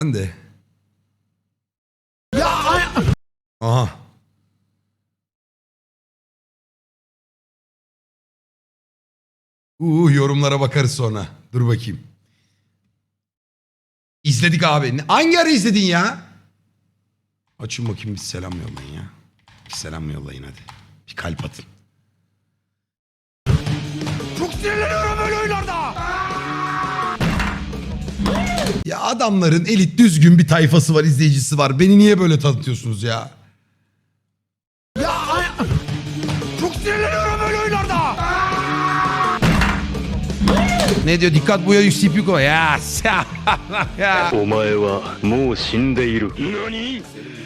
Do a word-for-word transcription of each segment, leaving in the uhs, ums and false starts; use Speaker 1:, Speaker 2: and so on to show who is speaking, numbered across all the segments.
Speaker 1: Ben de. Ya ay- Aha. Uuu yorumlara bakarız sonra. Dur bakayım. İzledik abi. Ne- Hangi ara izledin ya? Açın bakayım bir selam yollayın ya. Bir selam yollayın hadi. Bir kalp atın. Çok sinirleniyorum böyle oyunlarda. Ya adamların elit düzgün bir tayfası var, izleyicisi var. Beni niye böyle tanıtıyorsunuz ya? Ya ay- çok sinirleniyorum böyle oyunlarda. Ne diyor? Dikkat bu ya yüksek yük o ya. Ya.
Speaker 2: お前はもう死んでいる。何？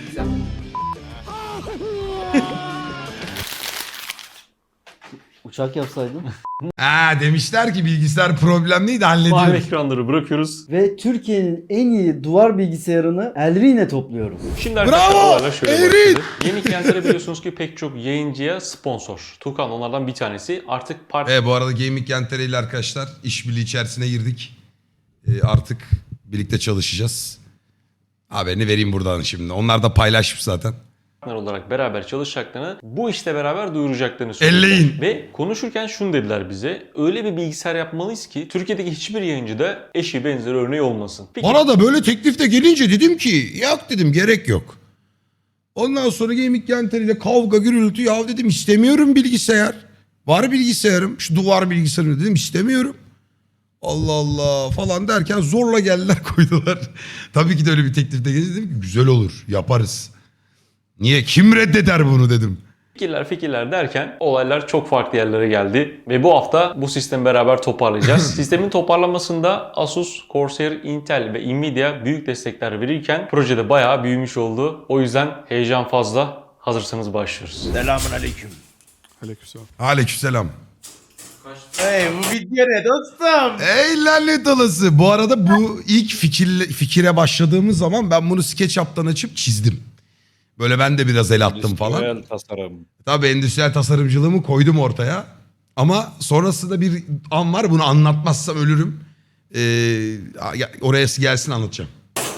Speaker 3: Uçak yapsaydın.
Speaker 1: Ha demişler ki bilgisayar problemliydi
Speaker 4: Mavi
Speaker 1: hallediyoruz.
Speaker 4: ekranları bırakıyoruz.
Speaker 3: Ve Türkiye'nin en iyi duvar bilgisayarını Elri'ne topluyoruz.
Speaker 4: Şimdi
Speaker 1: Bravo!
Speaker 4: arkadaşlar olaylar şöyle
Speaker 1: Erin!
Speaker 4: başladı. Yeni Kentere biliyorsunuz ki pek çok yayıncıya sponsor. Tukan onlardan bir tanesi. Artık part
Speaker 1: E bu arada Gaming Kentere ile arkadaşlar işbirliği içerisine girdik. E, artık birlikte çalışacağız. Haberini vereyim buradan şimdi. Onlar da paylaşmış zaten.
Speaker 4: partner olarak beraber çalışacaklarını, bu işte beraber duyuracaklarını söylediler.
Speaker 1: Elleyin.
Speaker 4: Ve konuşurken şunu dediler bize. Öyle bir bilgisayar yapmalıyız ki Türkiye'deki hiçbir yayıncıda eşi benzeri örneği olmasın. Peki,
Speaker 1: Bana da böyle teklif de gelince dedim ki yok dedim gerek yok. Ondan sonra Gaming Kentere ile kavga gürültü ya dedim istemiyorum bilgisayar. Var bilgisayarım şu duvar bilgisayarım dedim istemiyorum. Allah Allah falan derken zorla geldiler koydular. Tabii ki de öyle bir teklif de gelince dedim ki güzel olur yaparız. Niye kim reddeder bunu dedim.
Speaker 4: fikirler fikirler derken olaylar çok farklı yerlere geldi. Ve bu hafta bu sistemi beraber toparlayacağız. Sistemin toparlanmasında Asus, Corsair, Intel ve Nvidia büyük destekler verirken projede bayağı büyümüş oldu. O yüzden heyecan fazla. Hazırsanız başlıyoruz.
Speaker 5: Selamun aleyküm.
Speaker 1: Aleykümselam.
Speaker 5: Hey bu video ne dostum?
Speaker 1: Ey lanet olası. Bu arada bu ilk fikirle, fikire başladığımız zaman ben bunu SketchUp'tan açıp çizdim. Böyle ben de biraz el attım falan.
Speaker 6: Endüstriyel tasarım.
Speaker 1: Tabii endüstriyel tasarımcılığımı koydum ortaya. Ama sonrasında bir an var bunu anlatmazsam ölürüm. Ee, oraya gelsin anlatacağım.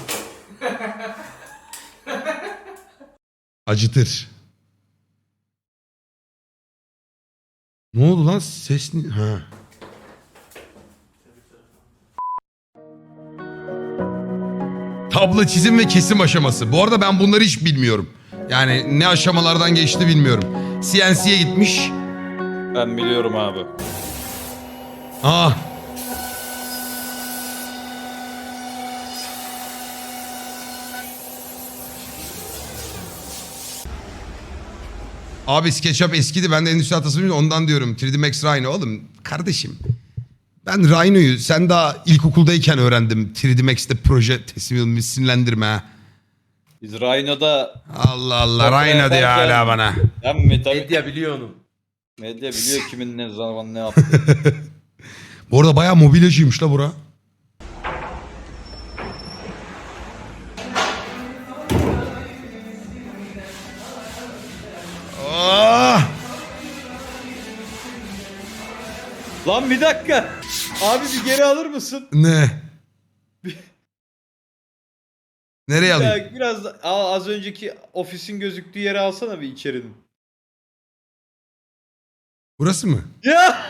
Speaker 1: Acıtır. Ne oldu lan? Ses ne? Ha. Tablo çizim ve kesim aşaması. Bu arada ben bunları hiç bilmiyorum. Yani ne aşamalardan geçti bilmiyorum. C N C'ye gitmiş.
Speaker 6: Ben biliyorum abi.
Speaker 1: Aa. Abi SketchUp eskidi. Ben de endüstriyel tasarımcıyım ondan diyorum. üç D Max Rhino oğlum. Kardeşim. Ben Rhino'yu sen daha ilkokuldayken öğrendim. üç D Max'te proje teslim isimlendirme ha.
Speaker 6: Biz Rhino'da
Speaker 1: Allah Allah
Speaker 6: Portre
Speaker 1: Rhino diyor
Speaker 6: yaparken-
Speaker 1: hala bana.
Speaker 6: hem mi tabii
Speaker 5: Medya biliyor onu.
Speaker 6: medya biliyor kimin ne zaman ne yaptı.
Speaker 1: Bu arada bayağı mobilyacıymış la bura. Ah!
Speaker 6: Lan bir dakika. Abi bir geri alır mısın?
Speaker 1: Ne? Nereye alayım?
Speaker 6: Ya biraz da- Aa, az önceki ofisin gözüktüğü yere alsana bir içerinin.
Speaker 1: Burası mı?
Speaker 6: Ya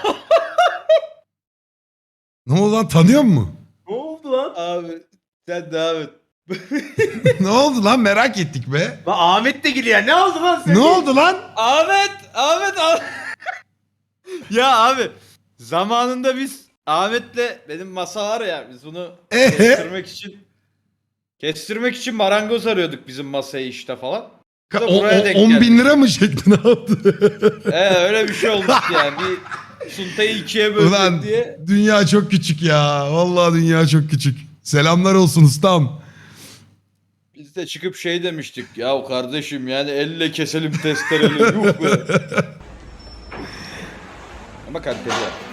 Speaker 1: Ne oldu lan tanıyor musun?
Speaker 6: ne oldu lan? Abi sen devam et.
Speaker 1: Ne oldu lan merak ettik be.
Speaker 5: Lan Ahmet de geliyor. Ne oldu lan sen?
Speaker 1: Ne oldu lan?
Speaker 6: Ahmet, Ahmet, Ahmet. Ya abi zamanında biz Ahmet'le benim masa var ya biz bunu
Speaker 1: Ee?
Speaker 6: kestirmek için kestirmek için marangoz arıyorduk bizim masayı işte falan.
Speaker 1: Ka-
Speaker 6: Da
Speaker 1: o-
Speaker 6: buraya
Speaker 1: o-
Speaker 6: denk
Speaker 1: on
Speaker 6: geldik.
Speaker 1: bin lira mı çekti ne yaptı?
Speaker 6: Ee, öyle bir şey olmuş yani. Bir suntayı ikiye böldük
Speaker 1: Ulan
Speaker 6: diye.
Speaker 1: dünya çok küçük ya. Vallahi dünya çok küçük. Selamlar olsun ustam.
Speaker 6: Biz de çıkıp şey demiştik. Ya kardeşim yani elle keselim testereyle. Yuh be. Ama kaliteli.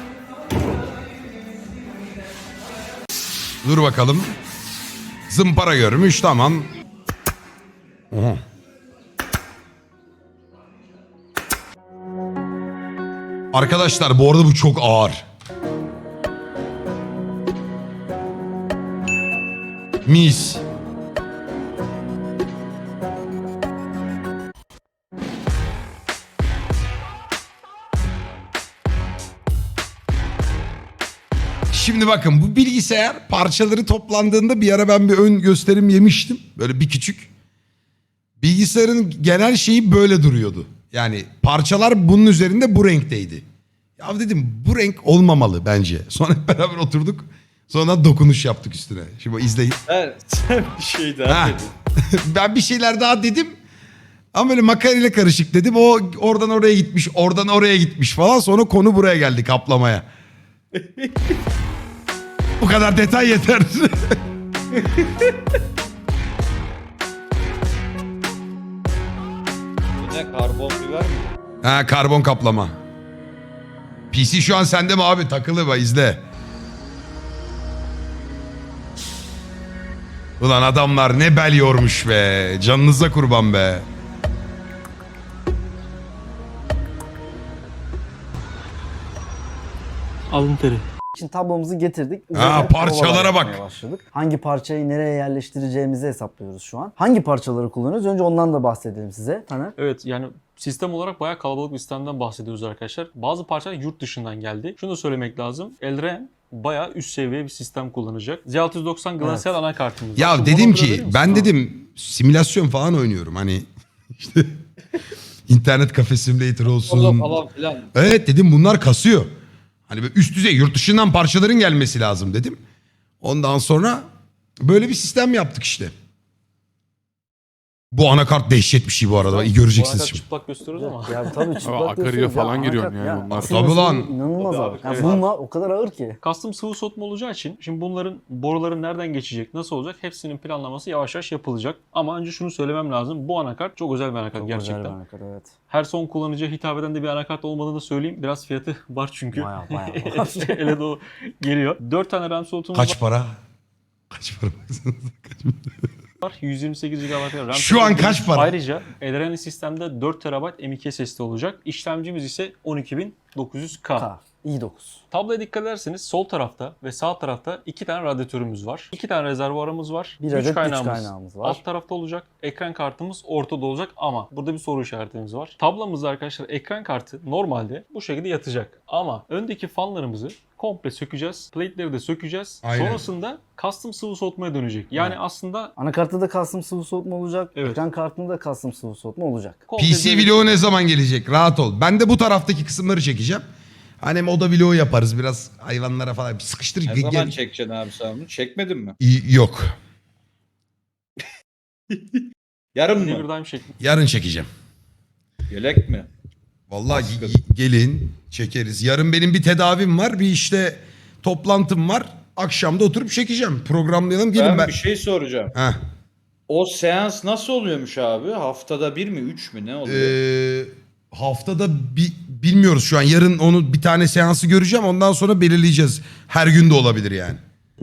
Speaker 1: Dur bakalım. Zımpara görmüş tamam. Oha. Arkadaşlar bu arada bu çok ağır. Mis. Şimdi bakın bu bilgisayar parçaları toplandığında bir ara ben bir ön gösterim yemiştim. Böyle bir küçük. Bilgisayarın genel şeyi böyle duruyordu. Yani parçalar bunun üzerinde bu renkteydi. Ya dedim bu renk olmamalı bence. Sonra hep beraber oturduk. Sonra dokunuş yaptık üstüne. Şimdi izleyin.
Speaker 6: Sen, sen bir şey daha
Speaker 1: Ha.
Speaker 6: dedin.
Speaker 1: Ben bir şeyler daha dedim. Ama böyle makarayla karışık dedim. O oradan oraya gitmiş, oradan oraya gitmiş falan. Sonra konu buraya geldi kaplamaya. Bu kadar detay yeter.
Speaker 6: Bu ne, karbon biber mi?
Speaker 1: Ha, karbon kaplama. P C şu an sende mi abi? Takılı bak izle. Ulan adamlar ne bel yormuş be. Canınıza kurban be.
Speaker 4: Alın teri.
Speaker 3: Şimdi tablomuzu getirdik.
Speaker 1: Ha,
Speaker 3: Üzerine
Speaker 1: parçalara
Speaker 3: provalar
Speaker 1: bak.
Speaker 3: yapmaya başladık. Hangi parçayı nereye yerleştireceğimizi hesaplıyoruz şu an. Hangi parçaları kullanıyoruz? Önce ondan da bahsedelim size. Taner.
Speaker 4: Evet yani sistem olarak bayağı kalabalık bir sistemden bahsediyoruz arkadaşlar. Bazı parçalar yurt dışından geldi. Şunu da söylemek lazım. Elren bayağı üst seviye bir sistem kullanacak. Z altı yüz doksan Glacial anakartımız var.
Speaker 1: Ya
Speaker 4: Şu
Speaker 1: dedim
Speaker 4: monitörü
Speaker 1: ki
Speaker 4: verir misin?
Speaker 1: ben
Speaker 4: Tamam.
Speaker 1: dedim simülasyon falan oynuyorum. Hani işte internet kafe simulator
Speaker 6: Orada
Speaker 1: olsun.
Speaker 6: falan filan.
Speaker 1: Evet dedim bunlar kasıyor. Hani böyle üst düzey yurt dışından parçaların gelmesi lazım dedim. Ondan sonra böyle bir sistem yaptık işte. Bu anakart dehşet bir şey bu arada. İyi göreceksiniz
Speaker 4: Bu arada
Speaker 1: şimdi.
Speaker 4: çıplak gösteriyoruz ama.
Speaker 3: Ya tabii çıplak
Speaker 7: Akarya
Speaker 3: gösteriyoruz.
Speaker 7: falan
Speaker 3: Ya,
Speaker 7: giriyorum
Speaker 3: anakart-
Speaker 7: yani
Speaker 3: ya,
Speaker 7: onlar.
Speaker 3: aslında
Speaker 1: Tabii lan.
Speaker 3: İnanılmaz
Speaker 6: Tabii
Speaker 3: abi.
Speaker 6: abi,
Speaker 3: Ya
Speaker 4: evet.
Speaker 3: bunlar o kadar ağır ki.
Speaker 4: Custom sıvı soğutma olacağı için şimdi bunların boruların nereden geçecek, nasıl olacak hepsinin planlaması yavaş yavaş yapılacak. Ama önce şunu söylemem lazım. Bu anakart çok özel bir anakart
Speaker 3: Çok
Speaker 4: gerçekten.
Speaker 3: özel bir anakart, evet.
Speaker 4: Her son kullanıcıya hitap eden de bir anakart olmadığını söyleyeyim. Biraz fiyatı var çünkü.
Speaker 3: Baya baya.
Speaker 4: Ele doğru geliyor. dört tane RAM slotumuz
Speaker 1: Kaç para? Kaç para?
Speaker 4: var. yüz yirmi sekiz gigabayt RAM.
Speaker 1: Şu an
Speaker 4: slotumuz.
Speaker 1: kaç para?
Speaker 4: Ayrıca Elren'in sistemde dört terabayt M iki S S D olacak. İşlemcimiz ise on iki bin dokuz yüz K.
Speaker 3: K. i dokuz.
Speaker 4: Tabloya dikkat ederseniz sol tarafta ve sağ tarafta iki tane radyatörümüz var. iki tane rezervuarımız var.
Speaker 3: Bir
Speaker 4: güç
Speaker 3: adet güç
Speaker 4: kaynağımız,
Speaker 3: kaynağımız var.
Speaker 4: alt tarafta olacak. Ekran kartımız ortada olacak ama burada bir soru işaretimiz var. Tablomuzda arkadaşlar ekran kartı normalde bu şekilde yatacak. Ama öndeki fanlarımızı komple sökeceğiz. Plate'leri de sökeceğiz.
Speaker 1: Aynen.
Speaker 4: Sonrasında custom sıvı soğutmaya dönecek. Yani aslında
Speaker 3: Anakartta da custom sıvı soğutma olacak.
Speaker 4: Evet.
Speaker 3: Ekran kartında da custom sıvı soğutma olacak.
Speaker 4: komple
Speaker 1: P C
Speaker 4: bir-
Speaker 1: vlogu ne zaman gelecek? Rahat ol. Ben de bu taraftaki kısımları çekeceğim. Hani oda vlogu yaparız biraz hayvanlara falan. Sıkıştır.
Speaker 6: Ne
Speaker 1: Ge-
Speaker 6: zaman
Speaker 1: gel-
Speaker 6: çekeceksin abi sen bunu? Çekmedin mi?
Speaker 1: İyi- Yok.
Speaker 6: Yarın
Speaker 4: Never
Speaker 6: mı?
Speaker 4: Dime şeklinde.
Speaker 1: Yarın çekeceğim.
Speaker 6: Yelek mi?
Speaker 1: Vallahi
Speaker 6: Baskın.
Speaker 1: ge- gelin çekeriz. Yarın benim bir tedavim var. Bir işte toplantım var. Akşamda oturup çekeceğim. Programlayalım. Gelin
Speaker 6: Ben,
Speaker 1: ben.
Speaker 6: bir şey soracağım.
Speaker 1: Heh.
Speaker 6: O seans nasıl oluyormuş abi? Haftada bir mi, üç mü, ne oluyor?
Speaker 1: Ee, haftada bi- bilmiyoruz şu an. Yarın onu bir tane seansı göreceğim. Ondan sonra belirleyeceğiz. Her gün de olabilir yani.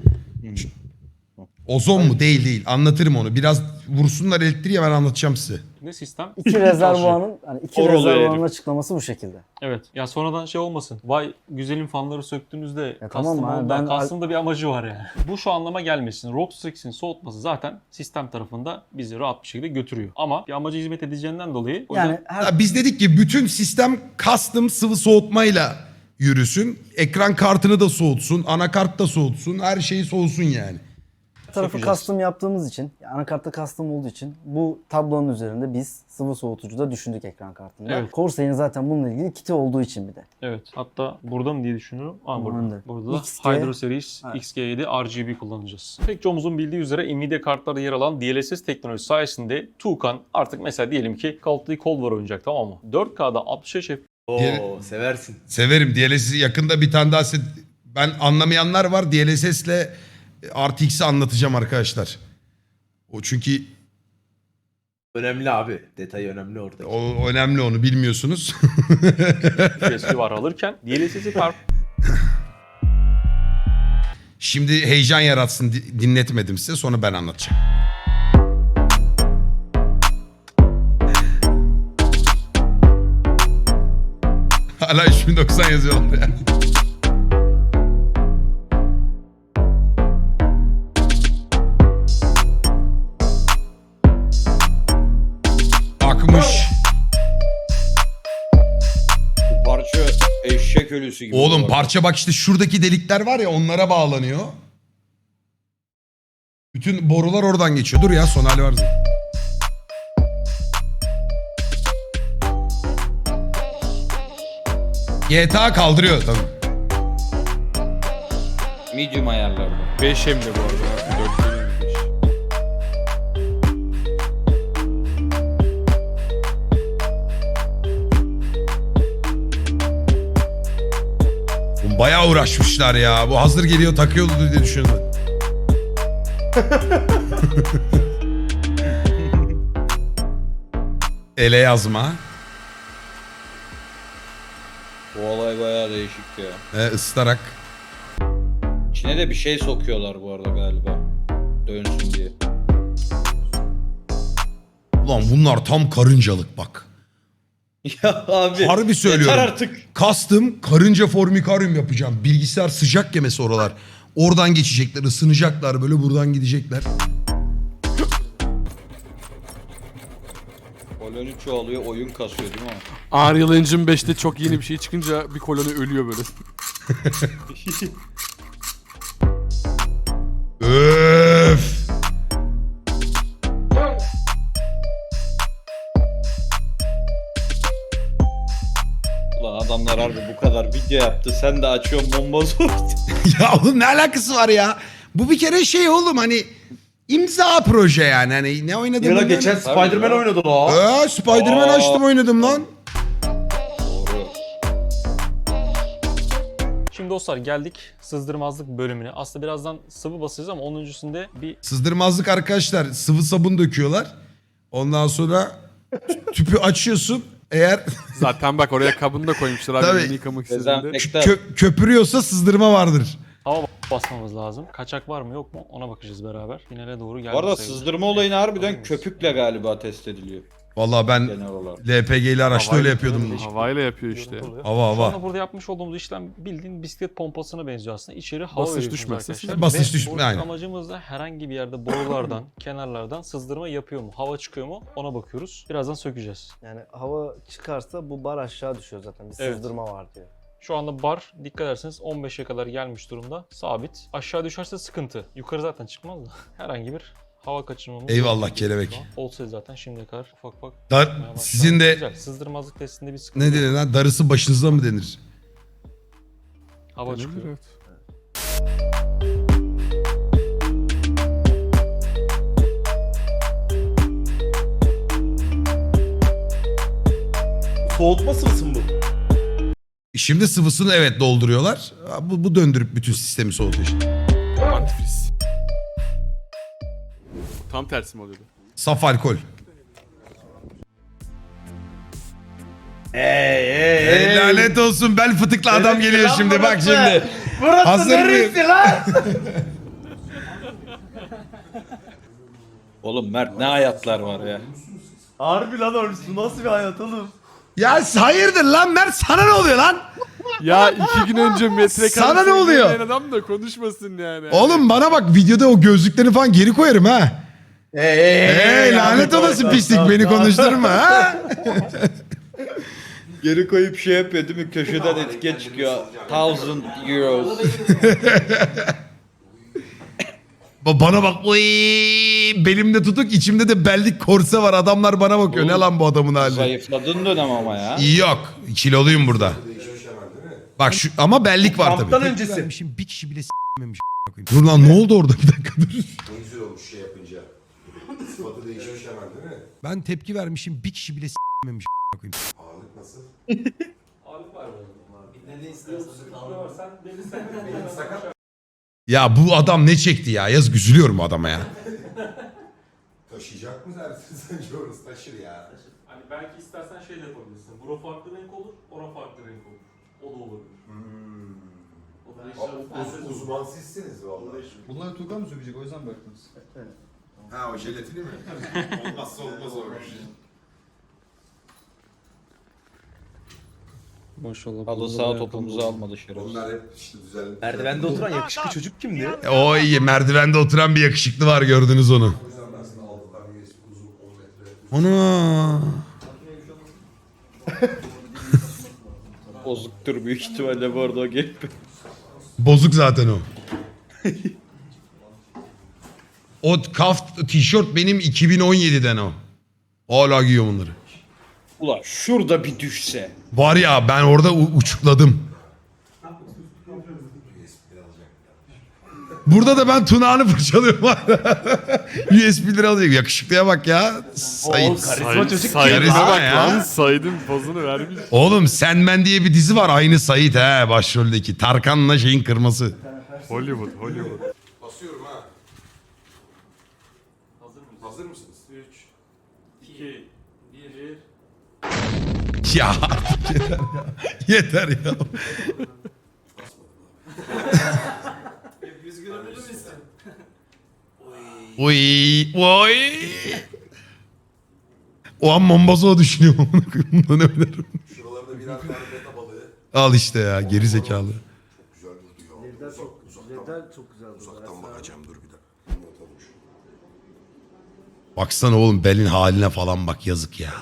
Speaker 1: Ozon mu? Değil değil. Anlatırım onu. Biraz vursunlar elektriği ben anlatacağım size.
Speaker 4: Ne sistem?
Speaker 3: İki rezervuarın hani iki
Speaker 6: Or oluyor
Speaker 3: rezervuarın
Speaker 6: herif.
Speaker 3: açıklaması bu şekilde.
Speaker 4: Evet. Ya sonradan şey olmasın. Vay güzelim fanları söktüğünüzde
Speaker 3: Ya tamam
Speaker 4: custom
Speaker 3: abi,
Speaker 4: oldu.
Speaker 3: ben-
Speaker 4: Custom'da bir amacı var yani. Bu şu anlama gelmesin. Rox X'in soğutması zaten sistem tarafında bizi rahat bir şekilde götürüyor. Ama bir amaca hizmet edeceğinden dolayı o
Speaker 3: Yani
Speaker 4: yüzden
Speaker 3: her
Speaker 1: Ya biz dedik ki bütün sistem custom sıvı soğutmayla yürüsün. Ekran kartını da soğutsun. Anakart da soğutsun. Her şeyi soğusun yani.
Speaker 3: tarafı
Speaker 4: sökeceğiz.
Speaker 3: custom yaptığımız için, yani anakartta custom olduğu için bu tablonun üzerinde biz sıvı soğutucu da düşündük ekran kartında.
Speaker 4: Evet.
Speaker 3: Corsair'in zaten bununla ilgili kiti olduğu için bir de.
Speaker 4: evet. Hatta burada mı diye düşünüyorum. Aa,
Speaker 3: Aman
Speaker 4: burada.
Speaker 3: da.
Speaker 4: Burada da
Speaker 3: X G.
Speaker 4: Hydro Series
Speaker 3: Evet.
Speaker 4: X G yedi R G B kullanacağız. Pek çoğumuzun bildiği üzere Nvidia kartlarda yer alan D L S S teknolojisi sayesinde Tuğkan artık mesela diyelim ki Call of Duty Cold War oynayacak, tamam mı? dört K'da altmış beş F P S
Speaker 5: Oo
Speaker 1: Diğer-
Speaker 5: seversin.
Speaker 1: Severim. D L S S'i yakında bir tane daha set... Ben anlamayanlar var. D L S S'le R T X'i anlatacağım arkadaşlar. O çünkü
Speaker 5: Önemli abi. Detay önemli orada.
Speaker 1: o önemli, onu bilmiyorsunuz.
Speaker 4: P S var alırken D L S S'i par-
Speaker 1: Şimdi heyecan yaratsın di- dinletmedim size, sonra ben anlatacağım. Hala üç bin doksan yazıyorlar ya. Akmış.
Speaker 6: Bu parça eşek bebek ölüsü gibi.
Speaker 1: Oğlum
Speaker 6: bu arada.
Speaker 1: parça bak işte şuradaki delikler var ya onlara bağlanıyor. Bütün borular oradan geçiyor. Dur ya son hali var zaten. G T A kaldırıyor tabii.
Speaker 6: Medium ayarlarda.
Speaker 7: beş hem de bu arada. dört değil mi? beş.
Speaker 1: Oğlum bayağı uğraşmışlar ya. Bu hazır geliyor takıyordu diye düşündüm. Ele yazma.
Speaker 6: Bu olay bayağı değişik ya.
Speaker 1: E, ıslarak.
Speaker 6: İçine de bir şey sokuyorlar bu arada galiba. Dönsün diye.
Speaker 1: Ulan bunlar tam karıncalık bak.
Speaker 6: Ya abi.
Speaker 1: Harbi söylüyorum.
Speaker 6: Yeter artık.
Speaker 1: Kastım karınca formikaryum yapacağım. Bilgisayar sıcak yemesi oralar. Oradan geçecekler, ısınacaklar böyle buradan gidecekler.
Speaker 6: Koloni çoğalıyor, oyun kasıyor değil mi?
Speaker 7: Unreal Engine beşte çok yeni bir şey çıkınca bir koloni ölüyor böyle.
Speaker 1: Öf.
Speaker 6: Ulan adamlar harbi bu kadar video yaptı. Sen de açıyorsun bomba zor.
Speaker 1: Ya oğlum ne alakası var ya? Bu bir kere şey oğlum hani imza proje yani. Hani ne oynadım?
Speaker 5: Yıla
Speaker 1: ben?
Speaker 5: geçen Spider-Man oynadı la.
Speaker 1: Ee, Spider-Man
Speaker 6: Aa.
Speaker 1: açtım oynadım lan.
Speaker 6: Doğru.
Speaker 4: Şimdi dostlar geldik sızdırmazlık bölümüne. Aslında birazdan sıvı basacağız ama onun öncesinde bir
Speaker 1: Sızdırmazlık arkadaşlar sıvı sabun döküyorlar. Ondan sonra tüpü açıyorsun. Eğer
Speaker 7: Zaten bak oraya kabını da koymuşlar abi
Speaker 1: Tabii.
Speaker 7: elini yıkamak istediğinde.
Speaker 6: Dezenfektan.
Speaker 1: kö- köpürüyorsa sızdırma vardır.
Speaker 4: hava basmamız lazım. Kaçak var mı yok mu ona bakacağız beraber. Finale doğru geldik.
Speaker 6: Bu arada
Speaker 4: sayılır.
Speaker 6: sızdırma olayını
Speaker 4: Hazır
Speaker 6: harbiden
Speaker 4: mıyız?
Speaker 6: köpükle galiba test ediliyor.
Speaker 1: Vallahi ben
Speaker 6: Genel olarak.
Speaker 1: L P G ile araçta öyle yapıyordum.
Speaker 7: Havayla yapıyor işte.
Speaker 4: Görüntü oluyor.
Speaker 1: Hava
Speaker 4: Şu
Speaker 1: hava.
Speaker 4: anda burada yapmış olduğumuz işlem bildiğin bisiklet pompasına benziyor aslında. İçeri hava
Speaker 7: Basınç
Speaker 4: veriyorsunuz
Speaker 7: düşmezse
Speaker 4: arkadaşlar.
Speaker 7: siz-
Speaker 1: Basınç
Speaker 4: Ve
Speaker 1: düşme-
Speaker 4: buradaki
Speaker 1: aynen.
Speaker 4: amacımız da herhangi bir yerde borulardan, kenarlardan sızdırma yapıyor mu? Hava çıkıyor mu? Ona bakıyoruz. Birazdan sökeceğiz.
Speaker 3: Yani hava çıkarsa bu bar aşağı düşüyor zaten. Bir
Speaker 4: Evet.
Speaker 3: sızdırma var diyor.
Speaker 4: Şu anda bar dikkat ederseniz on beşe kadar gelmiş durumda. Sabit. Aşağı düşerse sıkıntı. Yukarı zaten çıkmaz da. Herhangi bir hava kaçırmamız
Speaker 1: Eyvallah
Speaker 4: yok.
Speaker 1: kelebek.
Speaker 4: Olsaydı zaten şimdiye kadar ufak ufak.
Speaker 1: Dar,
Speaker 4: çıkmaya başladı.
Speaker 1: sizin de
Speaker 4: Güzel. Sızdırmazlık testinde bir sıkıntı
Speaker 1: ne
Speaker 4: yok.
Speaker 1: denir lan darısı başınıza mı denir?
Speaker 4: Hava çıkıyor.
Speaker 7: Evet.
Speaker 5: Soğutma sıvısı mı bu?
Speaker 1: Şimdi sıvısını evet dolduruyorlar. Bu, bu döndürüp bütün sistemi soğutuyor işte.
Speaker 7: Antifriz. Tam tersi mi oluyordu?
Speaker 1: Saf alkol.
Speaker 5: Ey ey
Speaker 1: Ey, lanet olsun bel fıtıklı adam
Speaker 5: Neresi
Speaker 1: geliyor
Speaker 5: lan
Speaker 1: şimdi bak
Speaker 5: burası?
Speaker 1: şimdi.
Speaker 5: Burası
Speaker 1: Hazır
Speaker 5: neresi lan?
Speaker 6: Oğlum Mert ne hayatlar var ya.
Speaker 5: Harbi lan orası nasıl bir hayat oğlum?
Speaker 1: Ya hayırdır lan Mert sana ne oluyor lan?
Speaker 7: Ya iki gün önce metre
Speaker 1: Sana ne oluyor?
Speaker 7: dinleyen adam da konuşmasın yani.
Speaker 1: Oğlum bana bak videoda o gözlüklerini falan geri koyarım ha.
Speaker 5: Ey ey
Speaker 1: Hey lanet olası pislik beni konuşturma ha.
Speaker 6: Geri koyup şey yapıyor değil mi? Köşeden etiket çıkıyor. Thousand euros.
Speaker 1: Ba- Bana bak oy, belimde tutuk içimde de bellik korse var adamlar bana bakıyor ne
Speaker 6: Oğlum,
Speaker 1: lan bu adamın hali.
Speaker 6: Zayıfladın dönem ama ya.
Speaker 1: Yok kiloluyum burada. Bak şu ama bellik var tabii.
Speaker 5: Kamptan öncesi.
Speaker 1: Vermişim, bir kişi bile s**memiş. Dur lan ne oldu orada bir dakika dur.
Speaker 8: Ne güzel olmuş şey yapınca. Sıfatı değişmiş hemen değil mi?
Speaker 1: Ben tepki vermişim bir kişi bile s**memiş.
Speaker 8: Ağırlık nasıl?
Speaker 1: Ya bu adam ne çekti ya yazık üzülüyorum bu adama ya.
Speaker 8: Taşıyacak mı dersin sence orası taşır ya.
Speaker 4: Hani belki istersen şey de yapabilirsin. Bura farklı renk olur, ora farklı renk olur. O da olabilir. O da
Speaker 8: Uz, uzman sizsiniz vallahi.
Speaker 9: Bunları Tuğkan mı sökecek o yüzden baktınız.
Speaker 8: Ha o jelatini mi? Olmazsa olmaz olmuş.
Speaker 4: Maşallah.
Speaker 6: Halı saha topumuzu almadı şerefsiz.
Speaker 8: Onlar hep işte düzenli.
Speaker 5: Merdivende oturan yakışıklı çocuk kimdi?
Speaker 1: E, O iyi merdivende oturan bir yakışıklı var gördünüz onu.
Speaker 8: O yüzden ben sana aldılar U S B uzun on metre.
Speaker 1: Ana.
Speaker 6: Bozuktur büyük ihtimalle bu arada o gelip.
Speaker 1: Bozuk zaten o. O kaft tişört benim iki bin on yediden o. Hala giyiyorum onları.
Speaker 6: Ulan şurada bir düşse.
Speaker 1: Var ya ben orada u- uçukladım. Burada da ben tunağını fırçalıyorum. U S B'leri alacak. Yakışıklıya bak ya. Sayın.
Speaker 7: Say,
Speaker 1: Karizma
Speaker 7: Said'e bak
Speaker 1: ya.
Speaker 7: lan. Said'in pozunu vermiş.
Speaker 1: Oğlum Sen Ben diye bir dizi var. Aynı Sait he başroldeki. Tarkan'la şeyin kırması.
Speaker 7: Hollywood, Hollywood.
Speaker 8: Basıyorum ha. Hazır mısınız? üç, iki, bir.
Speaker 1: Ya artık yeter ya. Yeter ya. Uy, oy. O an Mombasa düşünüyorum. Bundan ne bilirim.
Speaker 8: Şuralarda birer tane beta balığı.
Speaker 1: Al işte ya geri zekalı.
Speaker 8: Güzel durdu ya.
Speaker 3: Ledler çok, ledler çok güzel.
Speaker 8: Uzaktan bakacağım dur bir dakika. Not almış.
Speaker 1: Baksana oğlum belin haline falan bak yazık ya.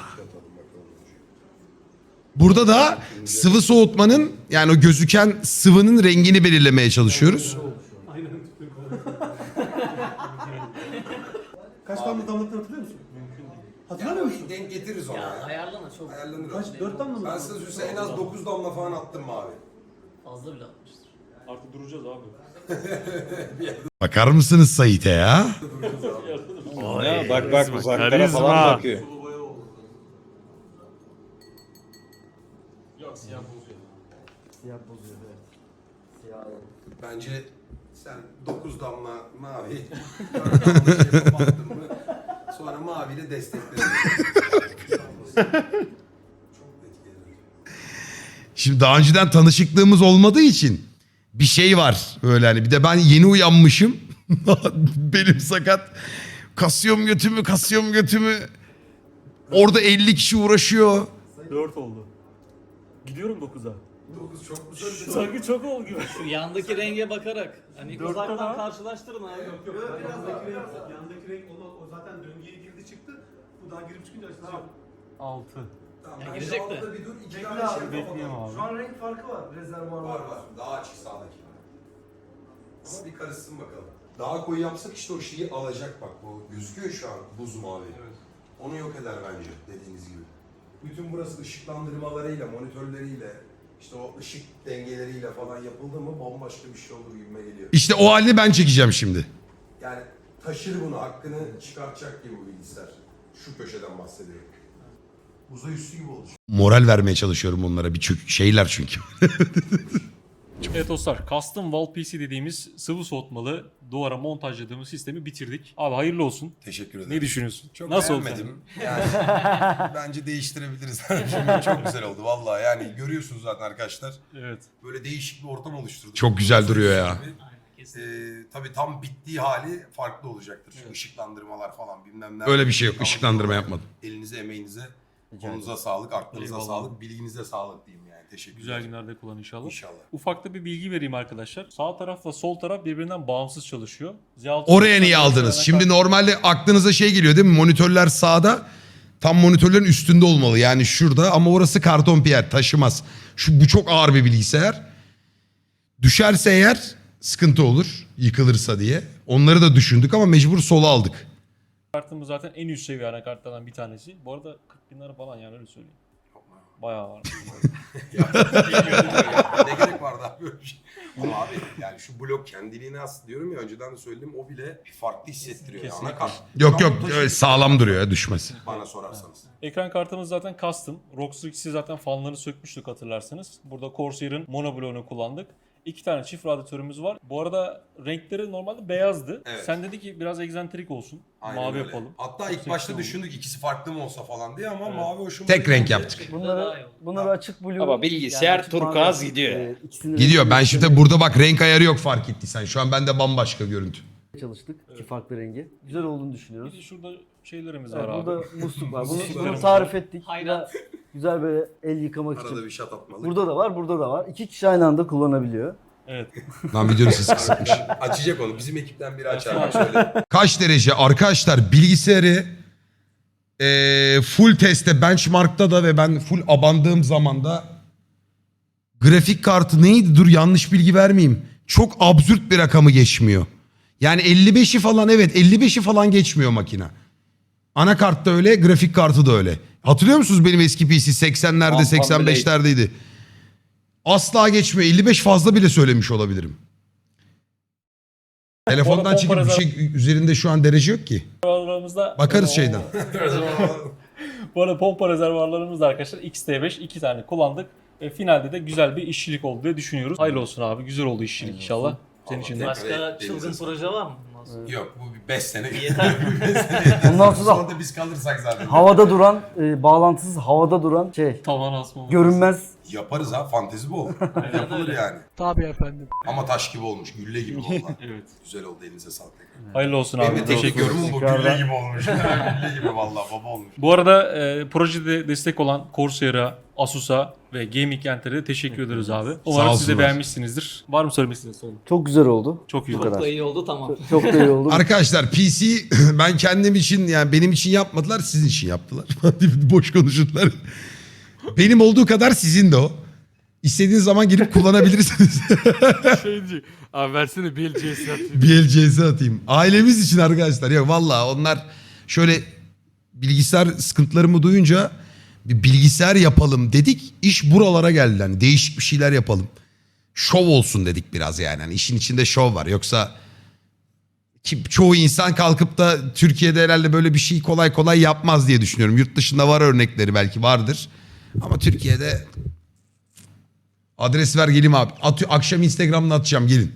Speaker 1: Burada da sıvı soğutmanın yani o gözüken sıvının rengini belirlemeye çalışıyoruz.
Speaker 9: Kaç damla damlattığını hatırlıyor musun? Hatırlamıyor musun?
Speaker 8: Denk getiririz ona ya.
Speaker 10: Ayarlama çok
Speaker 8: Ayarlanır.
Speaker 9: Kaç? Dört damla mı?
Speaker 8: Ben size söyleyeyim en az dokuz damla falan attım abi.
Speaker 10: fazla bile atmıştır.
Speaker 4: Artık duracağız abi.
Speaker 1: Bakar mısınız Sait'e ya?
Speaker 6: Ya bak bak uzaklara
Speaker 7: karizma.
Speaker 6: falan bakıyor.
Speaker 4: Yok siyah bozuyor.
Speaker 3: Siyah bozuyor evet. Siyah.
Speaker 8: Bence sen dokuz damla mavi, dört damla şey kapattın mı? Sonra maviyle destekledin. Çok etkili.
Speaker 1: Şimdi daha önceden tanışıklığımız olmadığı için bir şey var böyle hani bir de ben yeni uyanmışım. Belim sakat. Kasıyorum götümü, kasıyorum götümü. Orada elli kişi uğraşıyor.
Speaker 4: dört oldu. Gidiyorum dokuza.
Speaker 8: dokuz çok güzel bir
Speaker 4: Sanki çok oldu gibi.
Speaker 10: Şu yandaki renge bakarak hani uzaktan karşılaştırın abi. Yok yok.
Speaker 9: Yandaki renk, yandaki renk o, o zaten döngüye girdi çıktı. Bu daha girip çıkınca açılacak.
Speaker 4: altı.
Speaker 8: Tamam,
Speaker 10: Ya
Speaker 8: ben
Speaker 10: girecek
Speaker 8: şu
Speaker 10: de.
Speaker 8: anda bir dur iki
Speaker 9: Bekle
Speaker 8: tane
Speaker 9: abi,
Speaker 8: şey
Speaker 4: bekleyeyim
Speaker 8: kapatalım.
Speaker 4: abi.
Speaker 9: Şu an renk farkı var. Rezervuar
Speaker 8: Var var. Daha açık sağdaki. Ama bir karışsın bakalım. Daha koyu yapsak işte o şeyi alacak bak. Bu gözüküyor şu an buz mavi. Onu yok eder bence dediğiniz gibi. Bütün burası ışıklandırmalarıyla, monitörleriyle, işte o ışık dengeleriyle falan yapıldı mı bambaşka bir şey olur gibime geliyor.
Speaker 1: İşte o halini ben çekeceğim şimdi.
Speaker 8: Yani taşır bunu, hakkını çıkartacak gibi bu bilgisayar. Şu köşeden bahsediyorum. Uzay üstü gibi olacak.
Speaker 1: Moral vermeye çalışıyorum onlara bir çök şeyler çünkü.
Speaker 4: Evet dostlar, Custom Wall P C dediğimiz sıvı soğutmalı duvara montajladığımız sistemi bitirdik. Abi hayırlı olsun.
Speaker 8: Teşekkür ederim.
Speaker 4: Ne düşünüyorsun?
Speaker 8: Çok
Speaker 4: Nasıl oldu?
Speaker 8: beğenmedim. Yani bence değiştirebiliriz. Çok güzel oldu vallahi. Yani görüyorsunuz zaten arkadaşlar.
Speaker 4: Evet.
Speaker 8: Böyle değişik bir ortam oluşturduk.
Speaker 1: Çok güzel duruyor ya.
Speaker 8: Ee, tabii tam bittiği hali farklı olacaktır. Çünkü ışıklandırmalar falan bilmem ne.
Speaker 1: Öyle bir şey yok. Işıklandırma yapmadım.
Speaker 8: Elinize, emeğinize, kolunuza sağlık, aklınıza
Speaker 4: Eyvallah.
Speaker 8: sağlık, bilginize sağlık diyeyim yani. Teşekkür
Speaker 4: Güzel
Speaker 8: ederim.
Speaker 4: günlerde kullan inşallah.
Speaker 8: İnşallah.
Speaker 4: Ufakta bir bilgi vereyim arkadaşlar. Sağ tarafla sol taraf birbirinden bağımsız çalışıyor. Z altı
Speaker 1: Oraya niye aldınız? Şimdi normalde aklınıza şey geliyor değil mi? Monitörler sağda. Tam monitörlerin üstünde olmalı. Yani şurada ama orası karton piyer taşımaz. Şu, bu çok ağır bir bilgisayar. Düşerse eğer sıkıntı olur. Yıkılırsa diye. Onları da düşündük ama mecbur sola aldık.
Speaker 4: Kartımız zaten en üst seviye anakartlardan bir tanesi. Bu arada kırk bin lira falan yani öyle söyleyeyim. Bayağı var.
Speaker 8: Ne gerek vardı abi böyle bir şey? Ama abi yani şu blok kendiliğine has diyorum ya önceden de söyledim o bile farklı hissettiriyor. Yani. Anakart.
Speaker 1: Yok
Speaker 8: Şu an
Speaker 1: yok
Speaker 8: taşı-
Speaker 1: öyle sağlam duruyor ya düşmez.
Speaker 8: Bana sorarsanız.
Speaker 4: Ekran kartımız zaten custom. Rockstar ikisi zaten fanlarını sökmüştük hatırlarsanız. Burada Corsair'ın monobloğunu kullandık. İki tane çift radyatörümüz var. Bu arada renkleri normalde beyazdı.
Speaker 8: Evet.
Speaker 4: Sen dedi ki biraz egzantrik olsun.
Speaker 8: Aynen
Speaker 4: mavi
Speaker 8: öyle.
Speaker 4: yapalım.
Speaker 8: Hatta
Speaker 4: Çok
Speaker 8: ilk
Speaker 4: seksi
Speaker 8: başta
Speaker 4: oldu.
Speaker 8: düşündük ikisi farklı mı olsa falan diye ama
Speaker 4: Evet.
Speaker 8: mavi hoşuma
Speaker 1: Tek
Speaker 8: gitti.
Speaker 1: renk yaptık.
Speaker 3: Bunları bunları açık blue.
Speaker 6: Ama bilgisayar
Speaker 3: açık
Speaker 6: turkuaz
Speaker 3: mavi,
Speaker 6: gidiyor.
Speaker 3: e, ikisini
Speaker 1: Gidiyor.
Speaker 3: renkli
Speaker 1: Ben şimdi burada bak renk ayarı yok fark ettiysen. Şu an bende bambaşka görüntü.
Speaker 3: çalıştık. İki farklı rengi. Güzel olduğunu
Speaker 4: Bir
Speaker 3: düşünüyoruz.
Speaker 4: de şurada şeylerimiz
Speaker 3: Evet,
Speaker 4: var abi.
Speaker 3: burada musluk var. Bunu,
Speaker 8: Musluklarımız
Speaker 3: bunu tarif ettik.
Speaker 10: Hayrat.
Speaker 3: Güzel, güzel böyle el yıkamak
Speaker 8: Arada
Speaker 3: için.
Speaker 8: bir şat atmalık.
Speaker 3: Burada da var, burada da var. İki kişi aynı anda kullanabiliyor.
Speaker 4: Evet.
Speaker 1: Lan videonun sesi kısıkmış.
Speaker 8: Açacak onu. Bizim ekipten biri açar. Şöyle.
Speaker 1: Kaç derece? Arkadaşlar bilgisayarı eee, full testte benchmark'ta da ve ben full abandığım zaman da grafik kartı neydi? Dur yanlış bilgi vermeyeyim. Çok absürt bir rakamı geçmiyor. Yani elli beşi falan, evet elli beşi falan geçmiyor makine. Anakart da öyle, grafik kartı da öyle. Hatırlıyor musunuz benim eski P C seksenlerde
Speaker 6: Ampam
Speaker 1: seksen beşlerdeydi. Asla geçmiyor. elli beş fazla bile söylemiş olabilirim. Telefondan
Speaker 10: Orada
Speaker 1: çıkıp bir
Speaker 10: pompa
Speaker 1: şey üzerinde şu an derece yok ki.
Speaker 10: rezervuarlarımızda
Speaker 1: Bakarız şeyden.
Speaker 10: Bu arada pompa rezervuarlarımızda arkadaşlar X T beş iki tane kullandık. E, finalde de güzel bir işçilik oldu diye düşünüyoruz. Hayırlı olsun abi. Güzel oldu işçilik inşallah. Senin için de.
Speaker 9: Başka çılgın proje var mı?
Speaker 8: Yok bu bir beş sene.
Speaker 9: Yeter.
Speaker 3: Bundan sonra
Speaker 8: Sonra da biz kalırsak zaten.
Speaker 3: havada duran, e, bağlantısız havada duran şey,
Speaker 10: Tavan asma.
Speaker 3: görünmez.
Speaker 8: Yaparız ha, fantezi bu olur. Yapılır
Speaker 9: öyle.
Speaker 8: yani.
Speaker 7: Tabii efendim.
Speaker 8: Ama taş gibi olmuş, gülle gibi oldu.
Speaker 10: Evet.
Speaker 8: Güzel oldu, elinize sağlık tekrar.
Speaker 10: Hayırlı olsun
Speaker 8: Benim
Speaker 10: abi.
Speaker 8: de
Speaker 10: Teşekkür
Speaker 8: teşekkür
Speaker 10: ederim.
Speaker 8: ederim. Bu gülle gibi olmuş. Gülle gibi vallahi baba olmuş.
Speaker 10: Bu arada e, projede destek olan Corsair'a, Asus'a ve Gaming Enter'e de teşekkür ederiz abi. Umarım siz de
Speaker 1: olsunlar.
Speaker 10: beğenmişsinizdir. Var mı söylemek istediğiniz son?
Speaker 3: Çok güzel oldu.
Speaker 10: Çok iyi
Speaker 3: Bu
Speaker 10: oldu.
Speaker 3: kadar.
Speaker 9: iyi oldu tamam.
Speaker 3: Çok da iyi oldu.
Speaker 1: Arkadaşlar P C ben kendim için, yani benim için yapmadılar, sizin için yaptılar. Boş konuşurlar. Benim olduğu kadar sizin de o. İstediğiniz zaman girip kullanabilirsiniz.
Speaker 7: Şey diyecek. Abi versene bir el C S atayım.
Speaker 1: Bir el C S atayım. Ailemiz için arkadaşlar. Yok vallahi onlar şöyle bilgisayar sıkıntılarımı duyunca bir bilgisayar yapalım dedik. İş buralara geldi. Yani değişik bir şeyler yapalım. Şov olsun dedik biraz yani. Yani işin içinde şov var. Yoksa ki çoğu insan kalkıp da Türkiye'de herhalde böyle bir şey kolay kolay yapmaz diye düşünüyorum. Yurt dışında var örnekleri, belki vardır. Ama Türkiye'de adres ver geleyim abi. At, akşam Instagram'da atacağım, gelin.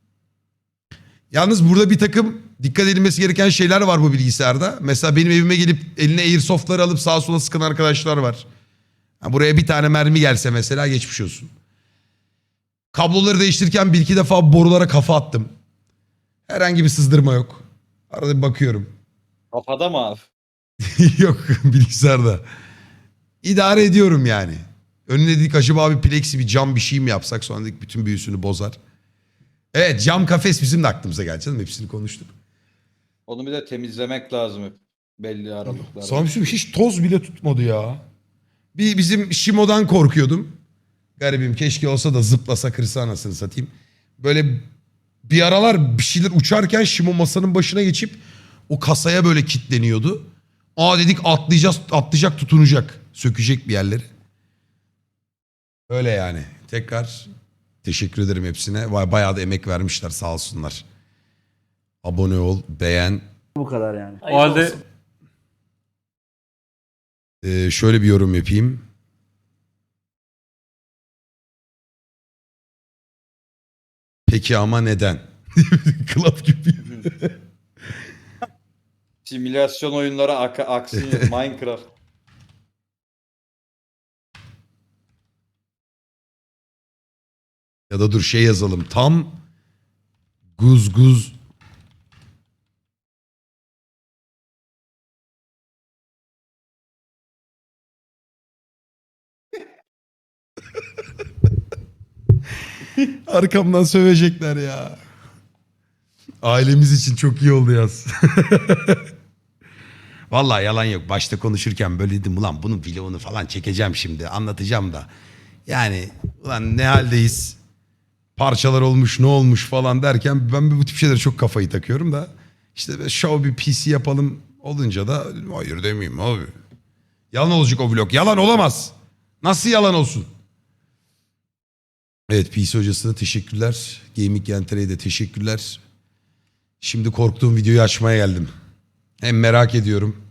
Speaker 1: Yalnız burada bir takım dikkat edilmesi gereken şeyler var bu bilgisayarda. Mesela benim evime gelip eline airsoftları alıp sağa sola sıkan arkadaşlar var. Ha, buraya bir tane mermi gelse mesela geçmiş olsun. Kabloları değiştirirken bir iki defa borulara kafa attım. Herhangi bir sızdırma yok. Arada bir bakıyorum.
Speaker 6: Kafada mı abi?
Speaker 1: Yok bilgisayarda. İdare ediyorum yani. Önüne dedik acaba bir plexi, bir cam bir şey mi yapsak, sonra dedik bütün büyüsünü bozar. Evet, cam kafes bizim de aklımıza geldi canım, hepsini konuştuk.
Speaker 6: Onu bir de temizlemek lazım hep belli aralıklarla.
Speaker 1: Sana bir şey, hiç toz bile tutmadı ya. Bir bizim Shimo'dan korkuyordum. Garibim, keşke olsa da zıplasa kırsa anasını satayım. Böyle bir aralar bir şeyler uçarken Shimo masanın başına geçip o kasaya böyle kilitleniyordu. Aa dedik atlayacağız, atlayacak, tutunacak. Sökecek bir yerleri. Öyle yani. Tekrar teşekkür ederim hepsine. Vay, bayağı da emek vermişler, sağ olsunlar. Abone ol, beğen.
Speaker 3: Bu kadar yani.
Speaker 10: O halde
Speaker 1: Ee, şöyle bir yorum yapayım. Peki ama neden? Klap gibi.
Speaker 6: Simülasyon oyunları ak aksi Minecraft.
Speaker 1: Ya da dur şey yazalım. Tam guz guz. Arkamdan sövecekler ya. Ailemiz için çok iyi oldu yaz. Vallahi yalan yok. Başta konuşurken böyle dedim, ulan bunun vlogunu falan çekeceğim şimdi, anlatacağım da. Yani ulan ne haldeyiz? Parçalar olmuş, ne olmuş falan derken ben bu tip şeylere çok kafayı takıyorum da. İşte show bir P C yapalım olunca da hayır demeyeyim abi. Yalan olacak o vlog. Yalan olamaz. Nasıl yalan olsun? Evet, P C hocasına teşekkürler. Gaming Gentere'ye de teşekkürler. Şimdi korktuğum videoyu açmaya geldim. Hem merak ediyorum.